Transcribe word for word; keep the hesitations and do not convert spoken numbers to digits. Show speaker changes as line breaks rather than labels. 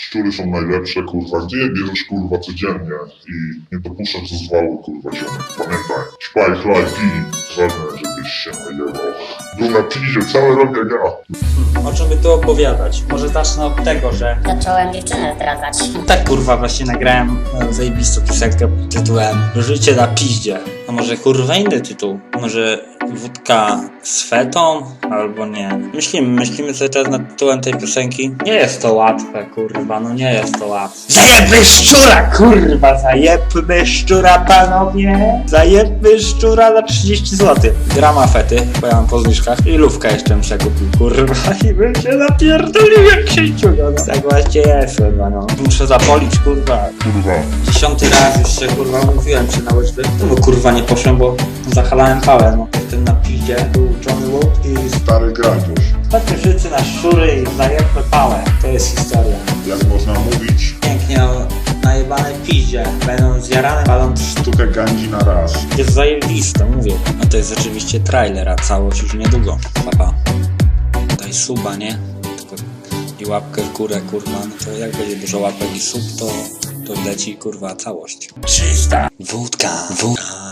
szczury są najlepsze, kurwa, gdzie je bierzesz, kurwa, codziennie i nie dopuszczasz do zwału, kurwa, ziomek. Pamiętaj, śpaj, chlaj, pij, ważne, żebyś się najebał. Był na pizie, cały rok jak ja.
O czym by tu opowiadać? Może zacznę od tego, że
Zacząłem dziewczynę zdradzać.
tak kurwa właśnie nagrałem e, zajebistą piosenkę pod tytułem Życie na piździe. A może kurwa inny tytuł? Może wódka z fetą? Albo nie. Myślimy, myślimy cały czas nad tytułem tej piosenki. Nie jest to łatwe, kurwa, no nie jest to łatwe. Zajebmy szczura, kurwa, zajebmy szczura, panowie. Zajebmy szczura za trzydzieści złotych. Grama fety, bo ja mam po zniżkach i lówkę jeszcze bym się kupił, kurwa, i bym się napierdolił jak się ciuga, no. Tak właśnie jest, kurwa, no. Muszę zapolić, kurwa.
Kurwa.
Dziesiąty raz już się, kurwa, mówiłem się na łyżwy. No bo kurwa nie poszłem, bo zachαλałem pałę, no. Jestem na piździe, był Johnny Wood i
Stary gradziusz.
ostatnie życie na szczury i zajebmy pałę. To jest historia.
Jak można mówić,
Pięknie o najebanej piździe. Będą zjarane, palą
sztukę gandzi na raz.
jest zajebiste, mówię. No to jest oczywiście trailer, a całość już niedługo. Papa. Daj suba, nie? Tylko i łapkę w górę, kurwa. No to jak będzie dużo łapek i sub, to, to leci, kurwa, całość. Czysta wódka, wódka.